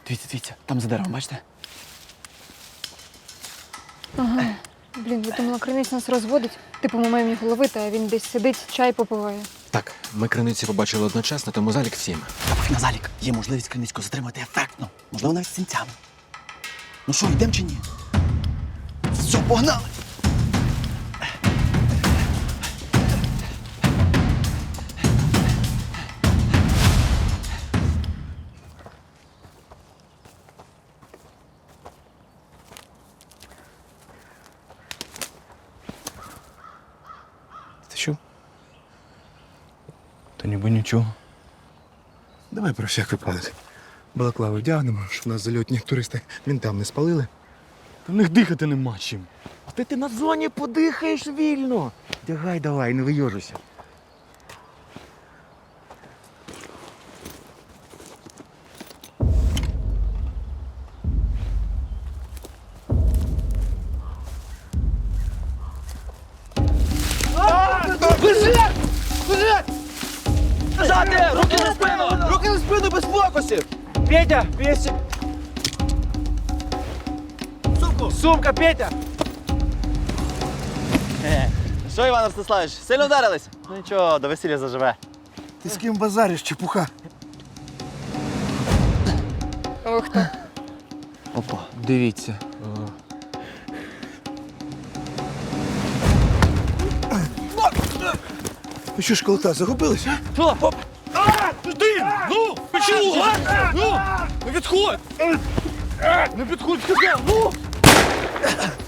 Дивіться, там за деревом, бачите? Ага. Блін, я думала, Криниць нас розводить. Типу, ми маємо його ловити, а він десь сидить, чай попиває. Так, ми криниці побачили одночасно, тому залік всім. Та пофіг на залік. Є можливість Криницького затримати ефектно. Можливо, навіть з синцями. Ну що, йдемо чи ні? Все, погнали! Ти що? Та ніби нічого. Давай про всяк випадок. Балаклави вдягнемо, щоб нас зальотні туристи мінтам не спалили. Та в них дихати нема чим. Ти на зоні подихаєш вільно. Вдягай давай, не вийожуйся. Ззади! Руки за спину! Руки за спину без фокусів! Петя, весь... Сумку! Сумка, Петя! Що, Іван Ростиславович, сильно вдарились? Ну нічого, до весілля заживе. Ти з ким базариш, чепуха? Ох ти. Опа, дивіться. Ви що, школота, загубились, а? Ти! Ну! Почему? Ну! Не підходь! Не підходь, сказав! Ну!